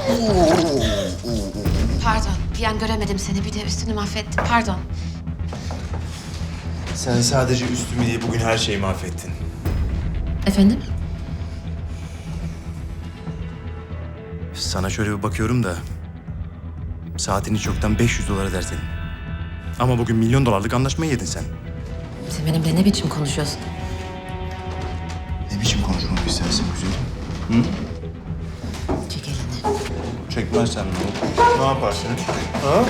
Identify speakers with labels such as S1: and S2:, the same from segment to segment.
S1: Pardon, bir an göremedim seni. Bir de üstünü mahvettim. Pardon.
S2: Sen sadece üstümü değil, bugün her şeyi mahvettin.
S1: Efendim?
S2: Sana şöyle bir bakıyorum da... saatini çoktan 500 dolara ödersin. Ama bugün $1 milyon anlaşmayı yedin sen.
S1: Sen benimle ne biçim konuşuyorsun?
S2: Ne biçim konuşmak istersin güzelim?
S1: Çek elini.
S2: Çekmezsen ne olur? Ne yaparsın? Ha?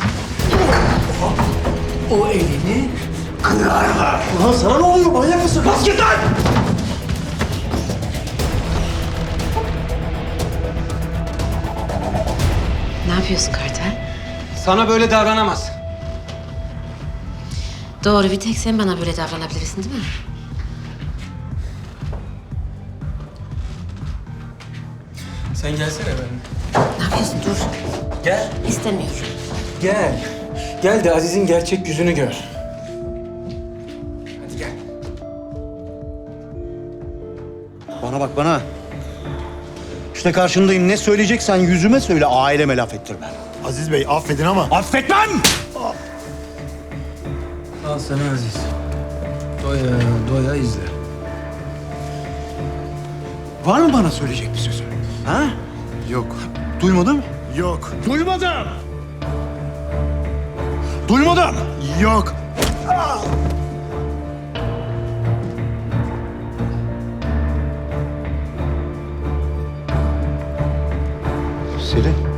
S3: O elini kırarlar. Ulan sana ne oluyor? Manyak mısın? Bas git lan!
S1: Ne yapıyorsun Kartal?
S3: Sana böyle davranamaz.
S1: Doğru, bir tek sen bana böyle davranabilirsin değil mi?
S3: Sen gelsene benimle.
S1: Ne yapıyorsun? Dur.
S3: Gel.
S1: İstemiyorum.
S3: Gel. Gel de Aziz'in gerçek yüzünü gör. Hadi gel.
S4: Bana bak bana. İşte karşındayım. Ne söyleyeceksen yüzüme söyle. Aileme laf ettirme.
S2: Aziz Bey affedin ama...
S4: Affetmem!
S3: Al sana Aziz. Doya doya izle.
S4: Var mı bana söyleyecek bir sözü? Ha?
S2: Yok.
S4: Duymadım.
S2: Yok.
S4: Duymadım. Duymadım.
S2: Yok.
S4: Selin.